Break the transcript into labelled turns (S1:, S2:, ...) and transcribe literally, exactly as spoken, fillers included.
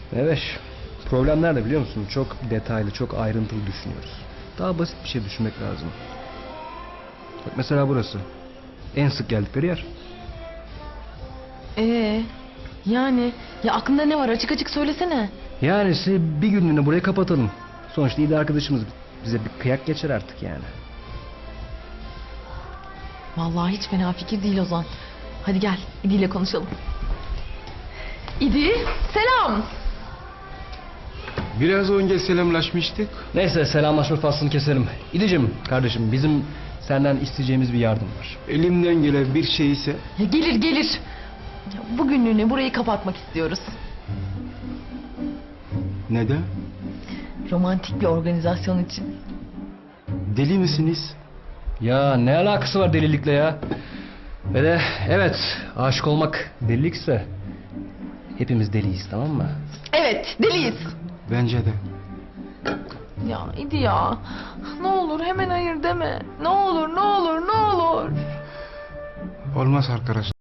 S1: Evet. Problem nerede biliyor musun? Çok detaylı, çok ayrıntılı düşünüyoruz. Daha basit bir şey düşünmek lazım. Bak mesela burası. En sık geldikleri yer.
S2: Ee, yani ya aklında ne var, açık açık söylesene.
S1: Yani size bir günlüğüne burayı kapatalım. Sonuçta iyi de arkadaşımız, bize bir kıyak geçer artık yani.
S2: Vallahi hiç fena fikir değil Ozan. Hadi gel, İdi ile konuşalım. İdi, selam.
S3: Biraz önce selamlaşmıştık.
S1: Neyse, selamlaşma faslını keselim. İdicim kardeşim, bizim senden isteyeceğimiz bir yardım var.
S3: Elimden gelen bir şey ise
S2: Ya gelir gelir. Ya bugünlüğüne burayı kapatmak istiyoruz.
S3: neden?
S2: Romantik bir organizasyon için.
S3: Deli misiniz?
S1: Ya ne alakası var delilikle ya? Ve de evet, aşık olmak delilikse hepimiz deliyiz, tamam mı?
S2: Evet, deliyiz.
S3: Bence de.
S2: Ya İdi ya. Ne olur hemen hayır deme. Ne olur, ne olur, ne olur.
S3: Olmaz arkadaş.